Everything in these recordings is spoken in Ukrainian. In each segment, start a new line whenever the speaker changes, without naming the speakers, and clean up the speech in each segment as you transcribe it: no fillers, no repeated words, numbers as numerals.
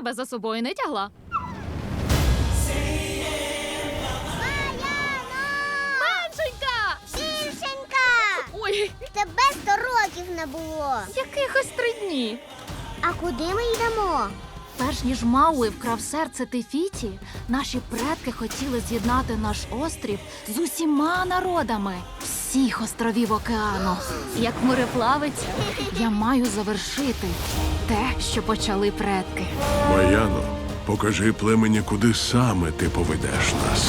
тебе за собою не тягла. Меншенька!
Більшенька!
Ой,
Тебе 100 років не було.
якихось 3 дні.
А куди ми йдемо?
Перш ніж Мауи вкрав серце Тефіті, наші предки хотіли з'єднати наш острів з усіма народами всіх островів океану. Як мореплавець, я маю завершити те, що почали предки.
Маяно, покажи племені, куди саме ти поведеш нас.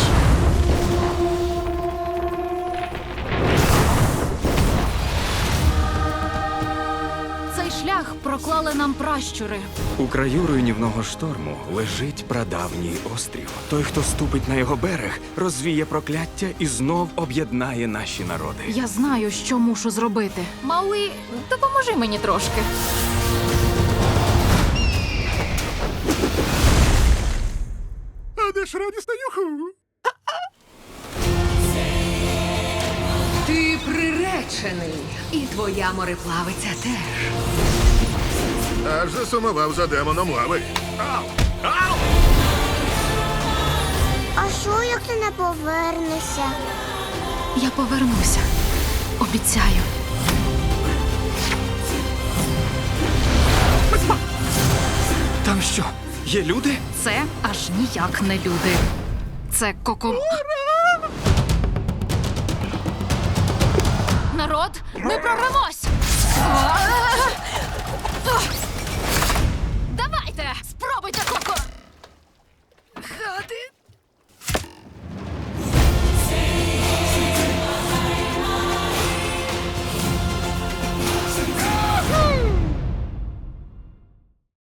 Цей шлях проклали нам пращури.
У краю руйнівного шторму лежить прадавній острів. Той, хто ступить на його берег, розвіє прокляття і знов об'єднає наші народи.
Я знаю, що мушу зробити. Мауи, допоможи мені трошки.
А де ж радісна юху?
Ти приречений, і твоя мореплавиця теж.
Аж засумував за демоном лави.
А що, як ти не повернешся?
Я повернуся. Обіцяю.
Там що, є люди?
Це аж ніяк не люди. Це Народ, ми прорвемось!